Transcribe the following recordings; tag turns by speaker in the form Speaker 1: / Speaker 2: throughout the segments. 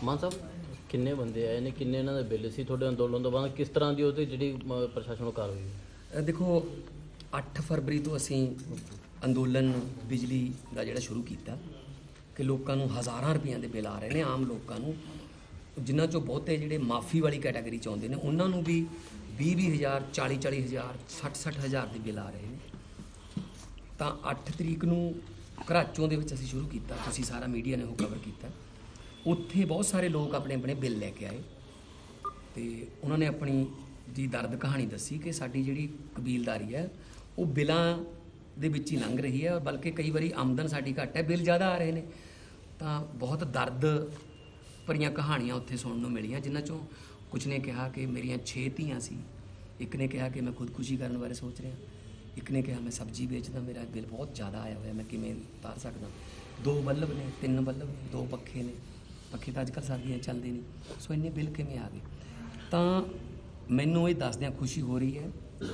Speaker 1: ਮਾਨ ਸਾਹਿਬ ਕਿੰਨੇ ਬੰਦੇ ਆਏ ਨੇ, ਕਿੰਨੇ ਇਹਨਾਂ ਦੇ ਬਿੱਲ ਸੀ ਤੁਹਾਡੇ ਅੰਦੋਲਨ ਤੋਂ ਬਾਅਦ, ਕਿਸ ਤਰ੍ਹਾਂ ਦੀ ਉਹਤੇ ਜਿਹੜੀ ਪ੍ਰਸ਼ਾਸਨ ਨੂੰ ਕਾਰਵਾਈ ਹੋਈ?
Speaker 2: ਦੇਖੋ 8 ਫਰਵਰੀ ਤੋਂ ਅਸੀਂ ਅੰਦੋਲਨ ਬਿਜਲੀ ਦਾ ਜਿਹੜਾ ਸ਼ੁਰੂ ਕੀਤਾ ਕਿ ਲੋਕਾਂ ਨੂੰ ਹਜ਼ਾਰਾਂ ਰੁਪਈਆਂ ਦੇ ਬਿੱਲ ਆ ਰਹੇ ਨੇ। ਆਮ ਲੋਕਾਂ ਨੂੰ, ਜਿਨ੍ਹਾਂ 'ਚੋਂ ਬਹੁਤੇ ਜਿਹੜੇ ਮਾਫੀ ਵਾਲੀ ਕੈਟਾਗਰੀ 'ਚ ਆਉਂਦੇ ਨੇ, ਉਹਨਾਂ ਨੂੰ ਵੀ 20,000 40,000 60,000 ਦੇ ਬਿੱਲ ਆ ਰਹੇ ਨੇ। ਤਾਂ 8 ਤਰੀਕ ਨੂੰ ਘਰਾਚੋਂ ਦੇ ਵਿੱਚ ਅਸੀਂ ਸ਼ੁਰੂ ਕੀਤਾ, ਤੁਸੀਂ ਸਾਰਾ ਮੀਡੀਆ ਨੇ ਉਹ ਕਵਰ ਕੀਤਾ। ਉੱਥੇ ਬਹੁਤ ਸਾਰੇ ਲੋਕ ਆਪਣੇ ਆਪਣੇ ਬਿੱਲ ਲੈ ਕੇ ਆਏ ਤੇ ਉਹਨਾਂ ਨੇ ਆਪਣੀ ਜੀ ਦਰਦ ਕਹਾਣੀ ਦੱਸੀ ਕਿ ਸਾਡੀ ਜਿਹੜੀ ਕਬੀਲਦਾਰੀ ਹੈ ਉਹ ਬਿੱਲਾਂ ਦੇ ਵਿੱਚ ਹੀ ਲੰਘ ਰਹੀ ਹੈ, ਬਲਕਿ ਕਈ ਵਾਰੀ ਆਮਦਨ ਸਾਡੀ ਘੱਟ ਹੈ, ਬਿੱਲ ਜ਼ਿਆਦਾ ਆ ਰਹੇ ਨੇ। ਤਾਂ ਬਹੁਤ ਦਰਦ ਭਰੀਆਂ ਕਹਾਣੀਆਂ ਉੱਥੇ ਸੁਣਨ ਨੂੰ ਮਿਲੀਆਂ, ਜਿਨ੍ਹਾਂ 'ਚੋਂ ਕੁਝ ਨੇ ਕਿਹਾ ਕਿ ਮੇਰੀਆਂ 6 ਧੀਆਂ ਸੀ, ਇੱਕ ਨੇ ਕਿਹਾ ਕਿ ਮੈਂ ਖੁਦਕੁਸ਼ੀ ਕਰਨ ਬਾਰੇ ਸੋਚ ਰਿਹਾ, ਇੱਕ ਨੇ ਕਿਹਾ ਮੈਂ ਸਬਜ਼ੀ ਵੇਚਦਾ, ਮੇਰਾ ਬਿੱਲ ਬਹੁਤ ਜ਼ਿਆਦਾ ਆਇਆ ਹੋਇਆ, ਮੈਂ ਕਿਵੇਂ ਉਤਾਰ ਸਕਦਾ। 2 ਬੱਲਬ ਨੇ, 3 ਬੱਲਬ ਨੇ, 2 ਪੱਖੇ ਨੇ, ਪੱਖੇ ਤਾਂ ਅੱਜ ਕੱਲ੍ਹ ਸਰਦੀਆਂ ਚੱਲਦੇ ਨਹੀਂ, ਸੋ ਇੰਨੇ ਬਿੱਲ ਕਿਵੇਂ ਆ ਗਏ। ਤਾਂ ਮੈਨੂੰ ਇਹ ਦੱਸਦਿਆਂ ਖੁਸ਼ੀ ਹੋ ਰਹੀ ਹੈ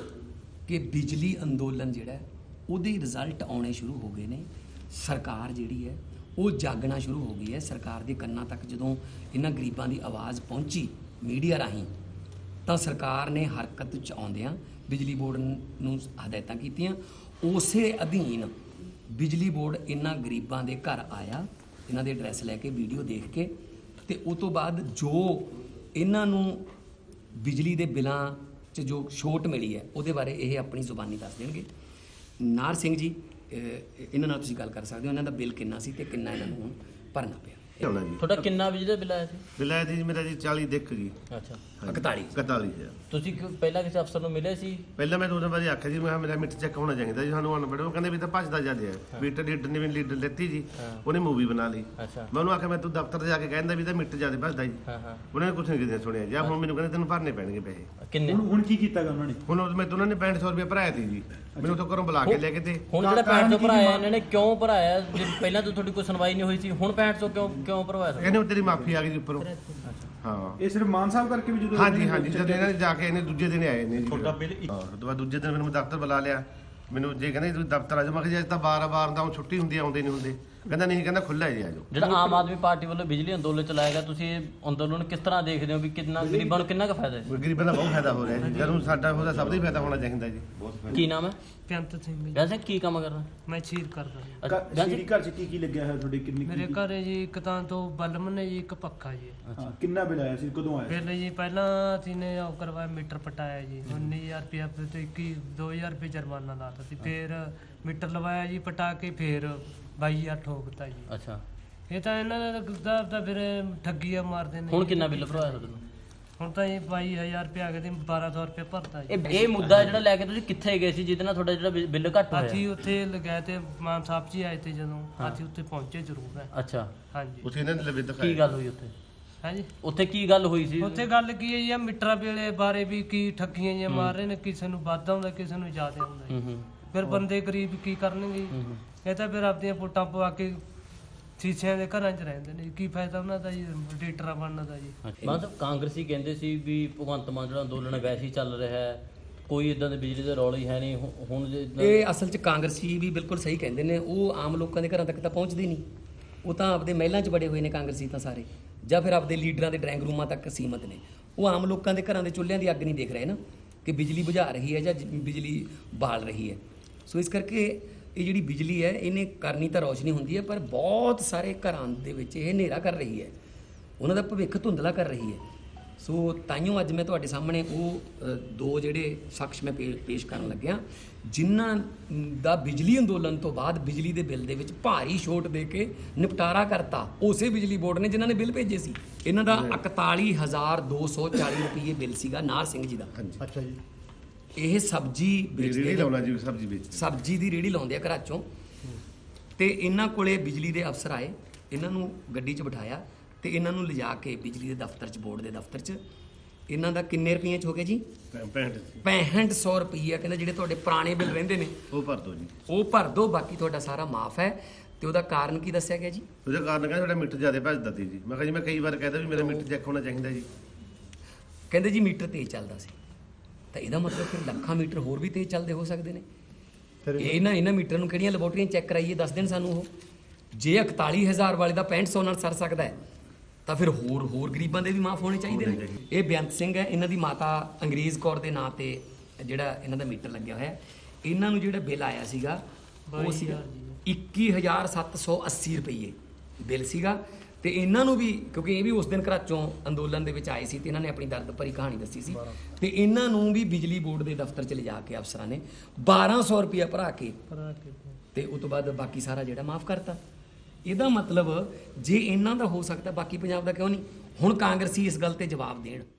Speaker 2: ਕਿ ਬਿਜਲੀ ਅੰਦੋਲਨ ਜਿਹੜਾ ਉਹਦੇ ਰਿਜ਼ਲਟ ਆਉਣੇ ਸ਼ੁਰੂ ਹੋ ਗਏ ਨੇ। ਸਰਕਾਰ ਜਿਹੜੀ ਹੈ ਉਹ ਜਾਗਣਾ ਸ਼ੁਰੂ ਹੋ ਗਈ ਹੈ। ਸਰਕਾਰ ਦੇ ਕੰਨਾਂ ਤੱਕ ਜਦੋਂ ਇਹਨਾਂ ਗਰੀਬਾਂ ਦੀ ਆਵਾਜ਼ ਪਹੁੰਚੀ ਮੀਡੀਆ ਰਾਹੀਂ, ਤਾਂ ਸਰਕਾਰ ਨੇ ਹਰਕਤ 'ਚ ਆਉਂਦਿਆਂ ਬਿਜਲੀ ਬੋਰਡ ਨੂੰ ਹਦਾਇਤਾਂ ਕੀਤੀਆਂ। ਉਸੇ ਅਧੀਨ ਬਿਜਲੀ ਬੋਰਡ ਇਹਨਾਂ ਗਰੀਬਾਂ ਦੇ ਘਰ ਆਇਆ, ਇਹਨਾਂ ਦੇ ਐਡਰੈਸ ਲੈ ਕੇ, ਵੀਡੀਓ ਦੇਖ ਕੇ, ਤੇ ਉਸ ਤੋਂ ਬਾਅਦ ਜੋ ਇਹਨਾਂ ਨੂੰ ਬਿਜਲੀ ਦੇ ਬਿੱਲਾਂ 'ਚ ਜੋ ਛੋਟ ਮਿਲੀ ਹੈ ਉਹਦੇ ਬਾਰੇ ਇਹ ਆਪਣੀ ਜ਼ੁਬਾਨੀ ਦੱਸ ਦੇਣਗੇ। ਨਾਰ ਸਿੰਘ ਜੀ, ਇਹਨਾਂ ਨਾਲ ਤੁਸੀਂ ਗੱਲ ਕਰ ਸਕਦੇ ਹੋ, ਇਹਨਾਂ ਦਾ ਬਿੱਲ ਕਿੰਨਾ ਸੀ ਤੇ ਕਿੰਨਾ ਇਹਨਾਂ ਨੂੰ ਹੁਣ ਭਰਨਾ ਪਿਆ।
Speaker 1: ਤੁਹਾਡਾ ਕਿੰਨਾ ਬਿਜਲੀ ਦਾ ਬਿੱਲ ਆਇਆ ਸੀ?
Speaker 3: ਬਿੱਲ ਆਇਆ ਜੀ ਮੇਰਾ ਜੀ 40 ਦਿੱਖ ਜੀ।
Speaker 1: ਅੱਛਾ,
Speaker 3: 41,000।
Speaker 1: ਤੁਸੀਂ ਪਹਿਲਾਂ ਕਿਸੇ ਅਫਸਰ ਨੂੰ ਮਿਲੇ ਸੀ?
Speaker 3: ਪਹਿਲਾਂ ਮੈਂ ਉਹਨਾਂ ਬਾਰੇ ਆਖਿਆ ਜੀ, ਮੈਂ ਮੇਰਾ ਮੀਟਰ ਚੈੱਕ ਹੋਣਾ ਚਾਹੀਦਾ ਜੀ, ਸਾਨੂੰ ਅਨਪੜ੍ਹ। ਉਹ ਕਹਿੰਦੇ ਵੀ ਤਾਂ ਭੱਜਦਾ ਜਾਂਦੇ ਆ। ਮੀਟਰ ਲੀਡਰ ਨੇ ਵੀ ਲੀਡਰ ਲੈਤੀ ਜੀ, ਉਹਨੇ ਮੂਵੀ ਬਣਾ ਲਈ। ਮੈਂ ਉਹਨੂੰ ਆਖਿਆ ਮੈਂ ਤੂੰ ਦਫ਼ਤਰ ਜਾ ਕੇ ਕਹਿੰਦਾ ਵੀ ਤਾਂ ਮੀਟਰ ਜ਼ਿਆਦਾ ਭੱਜਦਾ ਜੀ। ਉਹਨੇ ਕੁਛ ਨਹੀਂ ਕਿਤੇ ਸੁਣਿਆ ਜੀ। ਹੁਣ ਮੈਨੂੰ ਕਹਿੰਦੇ ਤੈਨੂੰ ਭਰਨੇ ਪੈਣਗੇ ਪੈਸੇ।
Speaker 1: ਕਿੰਨੇ?
Speaker 3: ਹੁਣ ਕੀ ਕੀਤਾ ਉਹਨਾਂ ਨੇ? ਹੁਣ ਮੈਂ ਉਹਨਾਂ ਨੇ 6500 ਰੁਪਏ ਭਰਾਇਆ ਸੀ ਜੀ, ਮੈਨੂੰ ਉੱਥੋਂ ਘਰੋਂ ਬੁਲਾ ਕੇ ਲੈ ਕੇ। ਤੇ
Speaker 1: ਹੁਣ ਜਿਹੜਾ 6500 ਭਰਾਇਆ ਇਹਨਾਂ ਨੇ ਕਿਉਂ ਭਰਾਇਆ? ਪਹਿਲਾਂ ਤਾਂ ਤੁਹਾਡੀ ਕੋਈ ਸੁਣਵਾਈ ਨਹੀਂ ਹੋਈ ਸੀ, ਹੁਣ 6500 ਕਿਉਂ ਭਰਵਾਇਆ?
Speaker 3: ਕਹਿੰਦੇ ਤੇਰੀ ਮਾਫੀ ਆ ਗਈ ਜੀ ਉੱਪਰੋਂ। ਹਾਂ, ਇਹ ਸਿਰਫ ਮਾਨ ਸਾਹਿਬ ਕਰਕੇ ਵੀ ਜਦੋਂ ਹਾਂਜੀ ਜਦੋਂ ਇਹਨਾਂ ਨੇ ਜਾ ਕੇ ਇਹਨੇ ਦੂਜੇ ਦਿਨ ਆਏ ਨੇ ਜੀ। ਤੁਹਾਡਾ ਬਿੱਲ ਹਾਂ, ਉਸ ਤੋਂ ਬਾਅਦ ਦੂਜੇ ਦਿਨ ਮੈਨੂੰ ਦਫ਼ਤਰ ਬੁਲਾ ਲਿਆ। ਮੈਨੂੰ ਜੇ ਕਹਿੰਦੇ ਤੁਸੀਂ ਦਫ਼ਤਰ ਆ ਜਾਓ, ਮੈਂ ਕਿਹਾ ਜੀ ਅੱਜ ਤਾਂ 12 ਦਾ ਛੁੱਟੀ ਹੁੰਦੀ, ਆਉਂਦੇ ਨਹੀਂ ਹੁੰਦੇ। ਕਹਿੰਦਾ ਨਹੀਂ, ਕਹਿੰਦਾ ਖੁੱਲ੍ਹਾ ਜੀ ਆ ਜਾਓ।
Speaker 1: ਜਿਹੜਾ ਆਮ ਆਦਮੀ ਪਾਰਟੀ ਵੱਲੋਂ ਬਿਜਲੀ ਅੰਦੋਲਨ ਚਲਾਇਆ ਗਿਆ, ਤੁਸੀਂ ਇਹ ਅੰਦੋਲਨ ਕਿਸ ਤਰ੍ਹਾਂ ਦੇਖਦੇ ਹੋ ਵੀ ਕਿੰਨਾ ਗਰੀਬਾਂ ਨੂੰ ਕਿੰਨਾ ਕੁ ਫਾਇਦਾ ਹੈ?
Speaker 3: ਗਰੀਬਾਂ ਦਾ ਬਹੁਤ ਫਾਇਦਾ ਹੋ ਰਿਹਾ ਜੀ, ਜਦੋਂ ਸਾਡਾ ਉਹਦਾ ਸਭ ਦਾ ਹੀ ਫਾਇਦਾ ਹੋਣਾ ਚਾਹੀਦਾ ਜੀ।
Speaker 1: ਕੀ ਨਾਮ ਹੈ?
Speaker 4: ਬੇਅੰਤ ਸਿੰਘ ਜੀ।
Speaker 1: ਵੈਸੇ ਕੀ ਕੰਮ ਕਰਦਾ?
Speaker 4: ਮੈਂ ਸ਼ੀਰ ਕਰਦਾ।
Speaker 5: ਸ਼ੀਰੀ ਘਰ 'ਚ ਕੀ ਲੱਗਿਆ ਹੋਇਆ ਤੁਹਾਡੇ? ਕਿੰਨੀ
Speaker 4: ਮੇਰੇ ਘਰ ਜੀ ਇੱਕ ਤਾਂ 2 ਬਲਬ ਨੇ ਜੀ, ਇੱਕ ਪੱਖਾ ਜੀ।
Speaker 5: ਕਿੰਨਾ ਬਿੱਲ ਆਇਆ ਸੀ, ਕਦੋਂ ਆਇਆ?
Speaker 4: ਬਿੱਲ ਜੀ ਪਹਿਲਾਂ ਅਸੀਂ ਨੇ ਉਹ ਕਰਵਾਇਆ, ਮੀਟਰ ਪਟਾਇਆ ਜੀ, 19,000 ਰੁਪਇਆ ਤੇ 2,000 ਰੁਪਏ ਜੁਰਮਾਨਾ ਲਾਤਾ ਸੀ। ਫਿਰ ਮੀਟਰ ਲਵਾਇਆ ਜੀ ਪਟਾ ਕੇ, ਫਿਰ 22,000 ਠੋਕਤਾ ਜੀ।
Speaker 1: ਅੱਛਾ,
Speaker 4: ਇਹ ਤਾਂ ਇਹਨਾਂ ਦਾ ਫਿਰ ਠੱਗੀਆਂ ਮਾਰਦੇ ਨੇ।
Speaker 1: ਹੁਣ ਕਿੰਨਾ ਬਿੱਲ ਭਰਵਾਇਆ ਤੁਹਾਨੂੰ?
Speaker 4: ਹੁਣ ਤਾਂ ਇਹ 22,000 ਰੁਪਏ ਆ ਗਏ ਤੇ 1,200 ਰੁਪਏ ਭਰਤਾ ਜੀ।
Speaker 1: ਇਹ ਮੁੱਦਾ ਜਿਹੜਾ ਲੈ ਕੇ ਤੁਸੀਂ ਕਿੱਥੇ ਗਏ ਸੀ ਜਿਹਦੇ ਨਾਲ ਤੁਹਾਡਾ ਜਿਹੜਾ ਬਿੱਲ ਘੱਟ ਹੋਇਆ?
Speaker 4: ਅਸੀਂ ਉੱਥੇ ਲਗਾਏ ਤੇ ਮਾਨ ਸਾਹਿਬ ਜੀ ਆਏ ਤੇ, ਜਦੋਂ ਅਸੀਂ ਉੱਥੇ ਪਹੁੰਚੇ ਜ਼ਰੂਰ ਹੈ।
Speaker 1: ਅੱਛਾ,
Speaker 4: ਹਾਂਜੀ।
Speaker 3: ਉੱਥੇ ਇਹਨਾਂ ਨੇ ਲਵੇ ਦਿਖਾਇਆ।
Speaker 1: ਕੀ ਗੱਲ ਹੋਈ ਉੱਥੇ?
Speaker 4: ਹਾਂਜੀ,
Speaker 1: ਉੱਥੇ ਕੀ ਗੱਲ ਹੋਈ ਸੀ?
Speaker 4: ਉੱਥੇ ਗੱਲ ਕੀ ਹੈ ਜੀ, ਆ ਮੀਟਰਾਂ ਵੇਲੇ ਬਾਰੇ ਵੀ ਕੀ ਠੱਗੀਆਂ ਜਿਹੀਆਂ ਮਾਰ ਰਹੇ ਨੇ, ਕਿਸੇ ਨੂੰ ਵੱਧ ਆਉਂਦਾ, ਕਿਸੇ ਨੂੰ ਜ਼ਿਆਦਾ ਆਉਂਦਾ ਜੀ। ਫਿਰ ਬੰਦੇ ਗਰੀਬ ਕੀ ਕਰਨਗੇ? ਇਹ ਤਾਂ ਫਿਰ ਆਪਦੀਆਂ ਵੋਟਾਂ ਪਵਾ ਕੇ ਸ਼ੀਸ਼ਿਆਂ ਦੇ ਘਰਾਂ 'ਚ ਰਹਿੰਦੇ ਨੇ, ਕੀ ਫਾਇਦਾ ਉਹਨਾਂ ਦਾ ਜੀ ਡੀਟਰਾਂ ਬਣਨ ਦਾ ਜੀ।
Speaker 1: ਮਤਲਬ ਕਾਂਗਰਸੀ ਕਹਿੰਦੇ ਸੀ ਵੀ ਭਗਵੰਤ ਮਾਨ ਜਿਹੜਾ ਅੰਦੋਲਨ ਵੈਸੇ ਹੀ ਚੱਲ ਰਿਹਾ ਹੈ, ਕੋਈ ਇਦਾਂ ਦੇ ਬਿਜਲੀ ਦੇ ਰੌਲੇ ਹੀ ਹੈ ਨਹੀਂ। ਹੁਣ
Speaker 2: ਇਹ ਅਸਲ 'ਚ ਕਾਂਗਰਸੀ ਵੀ ਬਿਲਕੁਲ ਸਹੀ ਕਹਿੰਦੇ ਨੇ, ਉਹ ਆਮ ਲੋਕਾਂ ਦੇ ਘਰਾਂ ਤੱਕ ਤਾਂ ਪਹੁੰਚਦੇ ਨਹੀਂ। ਉਹ ਤਾਂ ਆਪਦੇ ਮਹਿਲਾਂ 'ਚ ਬੜੇ ਹੋਏ ਨੇ ਕਾਂਗਰਸੀ ਤਾਂ ਸਾਰੇ, ਜਾਂ ਫਿਰ ਆਪਦੇ ਲੀਡਰਾਂ ਦੇ ਡਰਾਇੰਗ ਰੂਮਾਂ ਤੱਕ ਸੀਮਤ ਨੇ। ਉਹ ਆਮ ਲੋਕਾਂ ਦੇ ਘਰਾਂ ਦੇ ਚੁੱਲ੍ਹਿਆਂ ਦੀ ਅੱਗ ਨਹੀਂ ਦੇਖ ਰਹੇ ਨਾ, ਕਿ ਬਿਜਲੀ ਬੁਝਾ ਰਹੀ ਹੈ ਜਾਂ ਬਿਜਲੀ ਬਾਲ ਰਹੀ ਹੈ। ਸੋ ਇਸ ਕਰਕੇ ਇਹ ਜਿਹੜੀ ਬਿਜਲੀ ਹੈ ਇਹਨੇ ਕਰਨੀ ਤਾਂ ਰੌਸ਼ਨੀ ਹੁੰਦੀ ਹੈ, ਪਰ ਬਹੁਤ ਸਾਰੇ ਘਰਾਂ ਦੇ ਵਿੱਚ ਇਹ ਹਨੇਰਾ ਕਰ ਰਹੀ ਹੈ, ਉਹਨਾਂ ਦਾ ਭਵਿੱਖ ਧੁੰਦਲਾ ਕਰ ਰਹੀ ਹੈ। ਸੋ ਤਾਈਓ ਅੱਜ ਮੈਂ ਤੁਹਾਡੇ ਸਾਹਮਣੇ ਉਹ 2 ਜਿਹੜੇ ਸ਼ਖਸ ਮੈਂ ਪੇਸ਼ ਕਰਨ ਲੱਗਿਆ, ਜਿਨ੍ਹਾਂ ਦਾ ਬਿਜਲੀ ਅੰਦੋਲਨ ਤੋਂ ਬਾਅਦ ਬਿਜਲੀ ਦੇ ਬਿੱਲ ਦੇ ਵਿੱਚ ਭਾਰੀ ਛੋਟ ਦੇ ਕੇ ਨਿਪਟਾਰਾ ਕਰਤਾ ਉਸੇ ਬਿਜਲੀ ਬੋਰਡ ਨੇ ਜਿਨ੍ਹਾਂ ਨੇ ਬਿੱਲ ਭੇਜੇ ਸੀ। ਇਹਨਾਂ ਦਾ 41,240 ਰੁਪਏ ਬਿੱਲ ਸੀਗਾ, ਨਾਰ ਸਿੰਘ ਜੀ ਦਾ।
Speaker 5: ਅੱਛਾ ਜੀ।
Speaker 2: ਇਹ ਸਬਜ਼ੀ ਵੇਚਦੇ,
Speaker 3: ਸਬਜ਼ੀ
Speaker 2: ਦੀ ਰੇਹੜੀ ਲਾਉਂਦੇ ਆ ਘਰਾਂ 'ਚੋਂ। ਤੇ ਇਹਨਾਂ ਕੋਲੇ ਬਿਜਲੀ ਦੇ ਅਫਸਰ ਆਏ, ਇਹਨਾਂ ਨੂੰ ਗੱਡੀ 'ਚ ਬਿਠਾਇਆ ਤੇ ਇਹਨਾਂ ਨੂੰ ਲਿਜਾ ਕੇ ਬਿਜਲੀ ਦੇ ਦਫ਼ਤਰ 'ਚ, ਬੋਰਡ ਦੇ ਦਫ਼ਤਰ 'ਚ, ਇਹਨਾਂ ਦਾ ਕਿੰਨੇ ਰੁਪਈਏ 'ਚ ਹੋ ਗਿਆ ਜੀ? 6500 ਰੁਪਈਆ। ਕਹਿੰਦਾ ਜਿਹੜੇ ਤੁਹਾਡੇ ਪੁਰਾਣੇ ਬਿੱਲ ਰਹਿੰਦੇ ਨੇ
Speaker 3: ਉਹ ਭਰ ਦਿਓ ਜੀ,
Speaker 2: ਉਹ ਭਰ ਦਿਓ, ਬਾਕੀ ਤੁਹਾਡਾ ਸਾਰਾ ਮਾਫ ਹੈ। ਤੇ ਉਹਦਾ ਕਾਰਨ ਕੀ ਦੱਸਿਆ ਗਿਆ ਜੀ?
Speaker 3: ਉਹਦਾ ਕਾਰਨ ਕਹਿੰਦਾ ਤੁਹਾਡਾ ਮੀਟਰ ਜ਼ਿਆਦਾ ਭੱਜਦਾ ਸੀ ਜੀ। ਮੈਂ ਕਿਹਾ ਜੀ ਮੈਂ ਕਈ ਵਾਰ ਕਹਿੰਦਾ ਵੀ ਮੇਰਾ ਮੀਟਰ ਚੈੱਕ ਹੋਣਾ ਚਾਹੀਦਾ ਜੀ।
Speaker 2: ਕਹਿੰਦੇ ਜੀ ਮੀਟਰ ਤੇਜ਼ ਚੱਲਦਾ ਸੀ। ਤਾਂ ਇਹਦਾ ਮਤਲਬ ਫਿਰ ਲੱਖਾਂ ਮੀਟਰ ਹੋਰ ਵੀ ਤੇਜ਼ ਚੱਲਦੇ ਹੋ ਸਕਦੇ ਨੇ। ਇਹਨਾਂ ਮੀਟਰ ਨੂੰ ਕਿਹੜੀਆਂ ਲੈਬੋਰਟਰੀਆਂ ਚੈੱਕ ਕਰਾਈਏ, ਦੱਸ ਦੇਣ ਸਾਨੂੰ ਉਹ। ਜੇ 41,000 ਵਾਲੇ ਦਾ 6500 ਨਾਲ ਸਰ ਸਕਦਾ ਹੈ, ਤਾਂ ਫਿਰ ਹੋਰ ਗਰੀਬਾਂ ਦੇ ਵੀ ਮਾਫ ਹੋਣੇ ਚਾਹੀਦੇ ਨੇ। ਇਹ ਬੇਅੰਤ ਸਿੰਘ ਹੈ, ਇਹਨਾਂ ਦੀ ਮਾਤਾ ਅੰਗਰੇਜ਼ ਕੌਰ ਦੇ ਨਾਂ ਤੇ ਜਿਹੜਾ ਇਹਨਾਂ ਦਾ ਮੀਟਰ ਲੱਗਿਆ ਹੋਇਆ। ਇਹਨਾਂ ਨੂੰ ਜਿਹੜਾ ਬਿੱਲ ਆਇਆ ਸੀਗਾ ਉਹ ਸੀਗਾ 21,780 ਰੁਪਏ ਬਿੱਲ ਸੀਗਾ। ਤੇ ਇਹਨਾਂ ਨੂੰ ਵੀ, ਕਿਉਂਕਿ ਇਹ ਵੀ ਉਸ ਦਿਨ ਘਰਾਚੋਂ ਅੰਦੋਲਨ ਦੇ ਵਿੱਚ ਆਏ ਸੀ ਤੇ ਇਹਨਾਂ ਨੇ ਆਪਣੀ ਦਰਦ ਭਰੀ ਕਹਾਣੀ ਦੱਸੀ ਸੀ, ਤੇ ਇਹਨਾਂ ਨੂੰ ਵੀ ਬਿਜਲੀ ਬੋਰਡ ਦੇ ਦਫ਼ਤਰ 'ਚ ਲਿਜਾ ਕੇ ਅਫਸਰਾਂ ਨੇ 1200 ਰੁਪਇਆ ਭਰਾ ਕੇ ਤੇ ਉਸ ਤੋਂ ਬਾਅਦ ਬਾਕੀ ਸਾਰਾ ਜਿਹੜਾ ਮਾਫ ਕਰਤਾ। ਇਹਦਾ ਮਤਲਬ ਜੇ ਇਹਨਾਂ ਦਾ ਹੋ ਸਕਦਾ ਬਾਕੀ ਪੰਜਾਬ ਦਾ ਕਿਉਂ ਨਹੀਂ? ਹੁਣ ਕਾਂਗਰਸੀ ਇਸ ਗੱਲ ਤੇ ਜਵਾਬ ਦੇਣ।